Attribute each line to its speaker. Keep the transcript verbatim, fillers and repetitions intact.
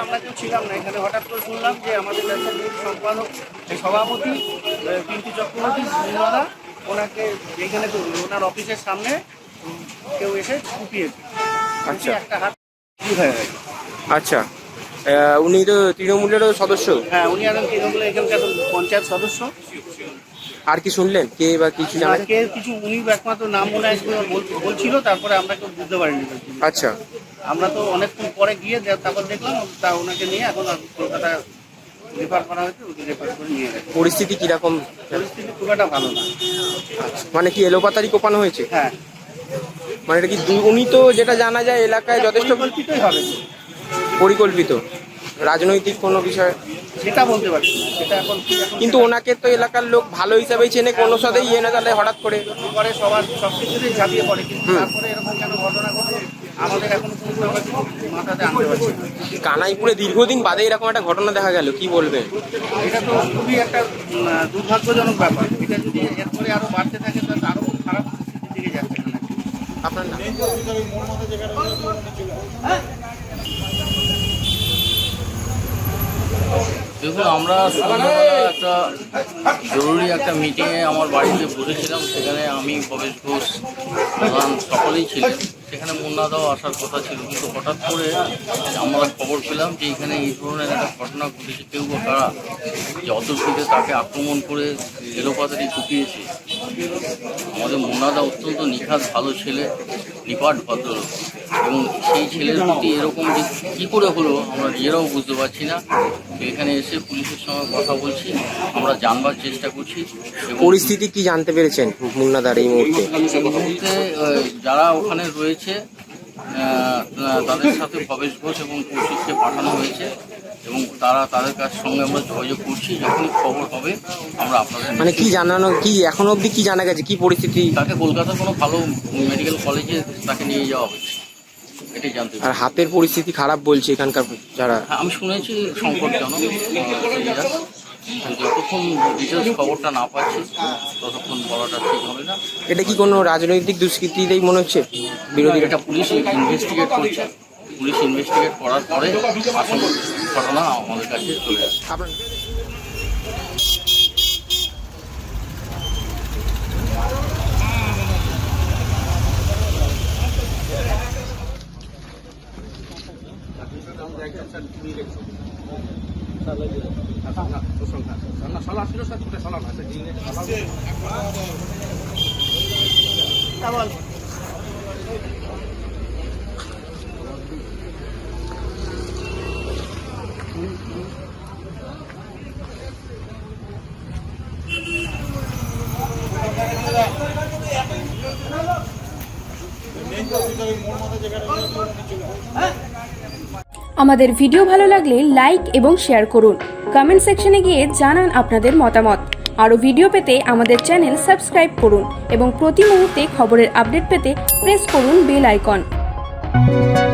Speaker 1: আমরা কেউ ছিলাম না এখানে, হঠাৎ করে শুনলাম যে আমাদের ব্যবসার সম্পাদক সভাপতি পিন্টু চক্রবর্তী মুন্নাদা ওনাকে এইখানে ওনার অফিসের সামনে কেউ এসে কুপিয়েছে।
Speaker 2: আচ্ছা,
Speaker 1: একটা হাত হয়ে গেছে।
Speaker 2: আচ্ছা, উনি তো তৃণমূলেরও সদস্য?
Speaker 1: হ্যাঁ, উনি এখন তৃণমূলের এখানকার পঞ্চায়েত সদস্য।
Speaker 2: আর কি শুনলেন, কে বা কিছু জানেন?
Speaker 1: কে কিছু উনি একমাত্র নাম মনে হয় বলছিল, তারপরে আমরা কেউ বুঝতে পারিনি।
Speaker 2: আচ্ছা,
Speaker 1: আমরা তো অনেকক্ষণ পরে গিয়ে তারপর দেখলাম তা ওনাকে নিয়ে এখন কলকাতা রেফার করা হয়েছে, ওকে রেফার করে নিয়ে গেছে।
Speaker 2: পরিস্থিতি কিরকম?
Speaker 1: পরিস্থিতি খুব একটা ভালো না।
Speaker 2: মানে কি এলোপাতারি কোপানো হয়েছে?
Speaker 1: হ্যাঁ,
Speaker 2: মানে এটা কি উনি তো যেটা জানা যায় এলাকায় যথেষ্ট
Speaker 1: পরিকল্পিতই হবে।
Speaker 2: পরিকল্পিত রাজনৈতিক কোনো বিষয়
Speaker 1: সেটা বলতে পারছি না, সেটা এখন।
Speaker 2: কিন্তু ওনাকে তো এলাকার লোক ভালো হিসাবেই চেনে, কোনো সাথেই ইয়ে না, তাহলে হঠাৎ করে
Speaker 1: পরে সবার সব কিছুতেই ঝাঁপিয়ে পড়ে, কিন্তু তারপরে এরকম কেন ঘটনা ঘটে আমাদের এখন কোনো মাথাতে আনতে পারছি না।
Speaker 2: কানাইপুরে দীর্ঘদিন বাদে এরকম একটা ঘটনা দেখা গেল, কি বলবেন?
Speaker 1: এটা তো খুবই একটা দুর্ভাগ্যজনক ব্যাপার। এটা যদি এরপরে আরো বাড়তে থাকে তাহলে আরো খুব খারাপ পরিস্থিতির দিকে যাচ্ছে।
Speaker 2: আপনার নাম?
Speaker 3: দেখুন, আমরা সন্ধ্যাবেলা একটা জরুরি একটা মিটিংয়ে আমার বাড়িতে বসেছিলাম। সেখানে আমি, ভবেশ ঘোষ, প্রধান সকলেই ছিলেন। সেখানে মুন্নাদাও আসার কথা ছিল, কিন্তু হঠাৎ করে আমরা খবর পেলাম যে এখানে এই ধরনের একটা ঘটনা ঘটেছে। কেউ বা কারা যে অতর্কিতে তাকে আক্রমণ করে এলোপাতারি কুপিয়েছে। আমাদের মুন্নাদা অত্যন্ত নিখাত ভালো ছেলে, নিপাট ভদ্রলোক, এবং সেই ছেলের প্রতি এরকম যে কী করে হলো আমরা নিজেরাও বুঝতে পারছি না। এখানে এসে পুলিশের সঙ্গে কথা বলছি, আমরা জানবার চেষ্টা করছি।
Speaker 2: পরিস্থিতি কি জানতে পেরেছেন মুন্নাদার এই মুহূর্তে?
Speaker 3: এই মুহূর্তে যারা ওখানে রয়েছে তাদের সাথে ভবেশ ঘোষ এবং কৌশিককে পাঠানো হয়েছে, এবং তারা তাদের কাছ সঙ্গে আমরা যোগাযোগ করছি। যখনই খবর হবে আমরা আপনাদের।
Speaker 2: মানে কি জানানো, কি এখনো অবধি কি জানা গেছে, কি পরিস্থিতি?
Speaker 3: তাকে কলকাতার কোনো ভালো মেডিকেল কলেজে তাকে নিয়ে যাওয়া হচ্ছে, এটাই জানতে।
Speaker 2: আর হাতের পরিস্থিতি খারাপ বলছে এখানকার যারা।
Speaker 3: হ্যাঁ, আমি শুনেছি সংকটজনক। যতক্ষণ ডিটেলস খবরটা না পাচ্ছি ততক্ষণ বলাটা ঠিক হবে না।
Speaker 2: এটা কি কোনো রাজনৈতিক দুষ্কৃতিতেই মনে হচ্ছে? বিরোধী
Speaker 3: এটা পুলিশ ইনভেস্টিগেট করছে। পুলিশ ইনভেস্টিগেট করার পরে আসল ঘটনা আমাদের কাছে চলে আসে।
Speaker 2: আপনার
Speaker 4: আমাদের ভিডিও ভালো লাগলে লাইক এবং শেয়ার করুন। কমেন্ট সেকশনে গিয়ে জানান আপনাদের মতামত। আরও ভিডিও পেতে আমাদের চ্যানেল সাবস্ক্রাইব করুন এবং প্রতি মুহূর্তে খবরের আপডেট পেতে প্রেস করুন বেল আইকন।